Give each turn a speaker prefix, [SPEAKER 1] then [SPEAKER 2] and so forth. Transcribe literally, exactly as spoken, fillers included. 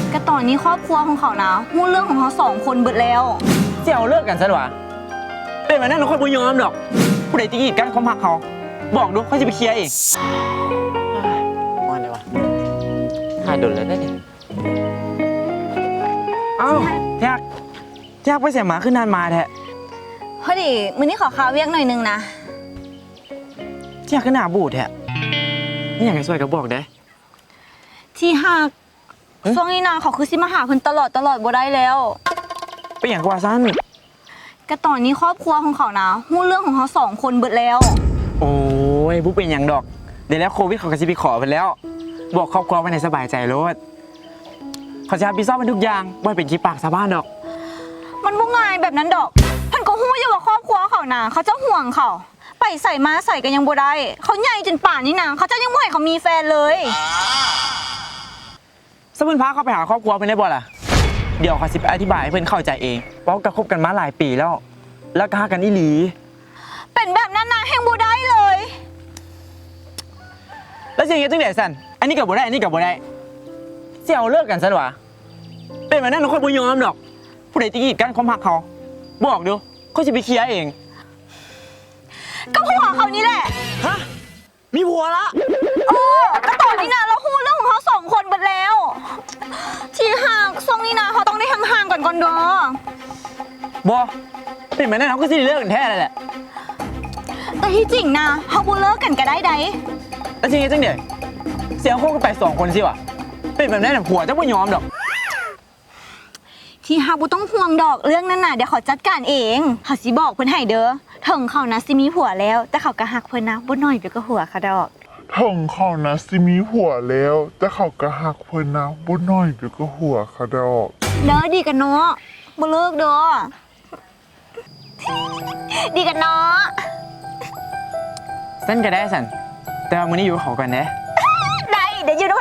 [SPEAKER 1] ก็ตอนนี้ครอบครัวของเขานะมู้เรื่องของเขาสองคนเบิดแล้ว
[SPEAKER 2] เสี่ยวเลิกกันซะหรอเป็นแบบนั้นเราค่อยบุญยอมดอกผู้ใดจะกีดกันความหักเขาบอกดูเขาจะไปเคลียร์เองว่าไงวะถ่ายโดนแล้วได้ดิเอ้าแยกแยกไปเสียหมาขึ้นนานมาแท้
[SPEAKER 1] พอดีมื้อนี้ขอข้าวเวียกหน่อยนึงนะ
[SPEAKER 2] แยกขึ้นหน้าบูดแท้นี่อย่างไรช่วยกับบอกได้
[SPEAKER 1] ที่หักช่วงนี้นะเขาคือสิมาหาเพิ่นตลอดตลอดบ่ได้แล้ว
[SPEAKER 2] เป็นอย่างกว่าสั้น
[SPEAKER 1] ก็ตอนนี้ครอบครัวของเขานะมู้เรื่องของเขาสองคนเบิดแล้ว
[SPEAKER 2] โอ้ยบุ๊เป็นอย่างดอกเดี๋ยวแล้วโควิดเขาก็จะไปขอไปแล้วบอกครอบครัวไว้ในสบายใจโลดเขาจะรับผิดชอบเป็นทุกอย่างบ่เป็นขี้ปากชาวบ้านดอก
[SPEAKER 1] มันบ่ง่ายแบบนั้นดอกเพิ่นก็ฮู้อยู่ว่าครอบครัวเขานะเขาจะห่วงเขาไปใส่มาใส่กันยังบ่ได้เขาใหญ่จนป่านนี้นะเขาจะยังบ่ให้เขามีแฟนเลย
[SPEAKER 2] สมุนพาเขาไปหาครอบครัวเพิ่นได้บ่ล่ะเดี๋ยวเขาสิอธิบายให้เพิ่นเข้าใจเองเพราะก็คบกันมาหลายปีแล้วแล้วก็หากันอีหลี
[SPEAKER 1] เป็นแบบนั้นนะแห่งบ่ได้เลย
[SPEAKER 2] แล้วสิอย่างนี้จังได๋สั่นอันนี้ก็บ่ได้อันนี้ก็บ่ได้เสี่ยวเลิกกันซะหรอเป็นแบบนั้นเราค่อยบ่ยอมดอกผู้ใดจะกีดกันความหักเขาบอกดูเขาสิไปเคลียร์เอง
[SPEAKER 1] ก็ผัวเขานี่แหละ
[SPEAKER 2] ฮะมีผัวละ
[SPEAKER 1] เออก็ตอนนี้นะเราฮู้เรื่องของเขาสองคนหมดแล้วที่ห่างทรงนี้นะเขาต้องได้ห่างๆก่อนก่อนเด้
[SPEAKER 2] อบอเป็นแบบนั้นเขาก็สิเลิกกันแท้เลยแหละ
[SPEAKER 1] แต่ที่จริงนะเขาบ่เลิกกันก็ได้ได
[SPEAKER 2] แล้วจริงจังเดี๋ยวเสียงโคกันไปสองคนสิวะเป็นแบบนั้นผัวจะไม่ยอมดอก
[SPEAKER 1] ที่ฮาบุต้องห่วงดอกเรื่องนั้นน่ะเดี๋ยวเขาจัดการเองเขาสิบอกเพิ่นให้เด้อถึงเขานะสิมีผัวแล้วแต่เขาก็หักเพิ่นนะบ่น้อยเดี๋ยวก็หัวเขาดอก
[SPEAKER 3] ถึงเขานะสิมีผัวแล้วแต่เขาก็หักเพิ่นนะบ่น้อยเดี๋ยวก็หัวเขาดอก
[SPEAKER 1] เด้อดีกันเนาะบ่เลิกเด้อดีกันเนาะ
[SPEAKER 2] สั้นก็ได้สันแต่ว่ามื้อนี้อยู่กับเขากันเด้
[SPEAKER 1] ได้เดี๋ยวอยู่ด้วย